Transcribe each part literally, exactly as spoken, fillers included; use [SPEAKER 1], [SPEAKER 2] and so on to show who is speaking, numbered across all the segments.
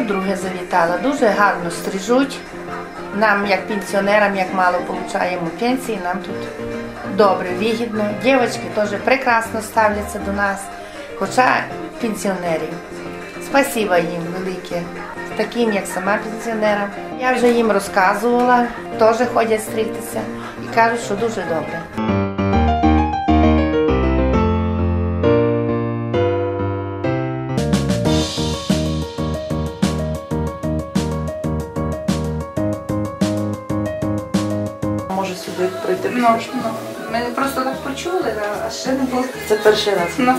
[SPEAKER 1] вдруге завітала. Дуже гарно стрижуть. Нам, як пенсіонерам, як мало отримуємо пенсії, нам тут добре, вигідно. Дівчатки теж прекрасно ставляться до нас, хоча пенсіонерів. Спасибо їм велике, таким, як сама пенсіонерам. Я вже їм розказувала, теж ходять стригтися і кажуть, що дуже добре.
[SPEAKER 2] Може сюди прийти?
[SPEAKER 3] Ну, ну, ми просто так почули, а ще не було.
[SPEAKER 2] Це перший раз.
[SPEAKER 3] Ну.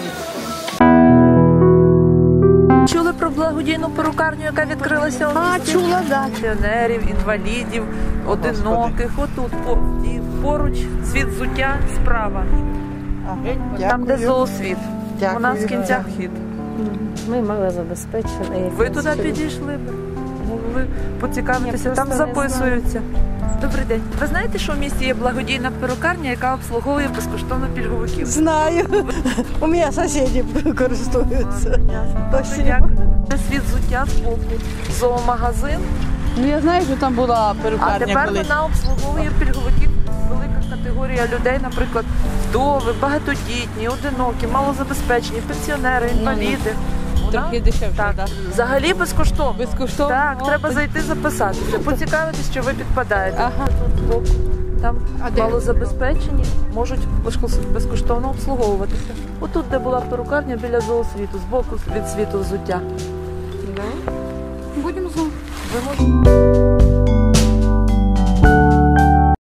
[SPEAKER 2] Чули про благодійну перукарню, яка відкрилася у
[SPEAKER 4] А,
[SPEAKER 2] місті?
[SPEAKER 4] чула, да.
[SPEAKER 2] Пенсіонерів, інвалідів, одиноких. Отут по- і поруч світ взуття справа. Там, де зоосвіт. У нас в кінцях вхід.
[SPEAKER 4] Ми мали забезпечені.
[SPEAKER 2] Ви туди підійшли б? Могли поцікавитися,
[SPEAKER 4] Ні,
[SPEAKER 2] там
[SPEAKER 4] просто не
[SPEAKER 2] записуються. Добрий день. Ви знаєте, що в місті є благодійна перукарня, яка обслуговує безкоштовно пільговиків?
[SPEAKER 4] Знаю. У мене сусіди користуються. Спасибо.
[SPEAKER 2] Дякую. Це світ взуття з боку. Зоомагазин.
[SPEAKER 5] Ну я знаю, що там була
[SPEAKER 2] А
[SPEAKER 5] перукарня
[SPEAKER 2] тепер
[SPEAKER 5] колись.
[SPEAKER 2] вона обслуговує пільговиків. Велика категорія людей, наприклад, вдови, багатодітні, одинокі, малозабезпечені, пенсіонери, інваліди. Вона-
[SPEAKER 5] Трохи дешевше,
[SPEAKER 2] Так,
[SPEAKER 5] так?
[SPEAKER 2] взагалі безкоштовно.
[SPEAKER 5] Безкоштовно?
[SPEAKER 2] Так,
[SPEAKER 5] О,
[SPEAKER 2] треба
[SPEAKER 5] так.
[SPEAKER 2] зайти записатися, поцікавитись, що ви підпадаєте.
[SPEAKER 5] Ага.
[SPEAKER 2] Тут збоку. Там малозабезпечені можуть безкос- безкоштовно обслуговуватися. Отут, де була перукарня, біля зоосвіту, збоку від світу взуття.
[SPEAKER 3] Будемо знати.
[SPEAKER 2] Ви можете.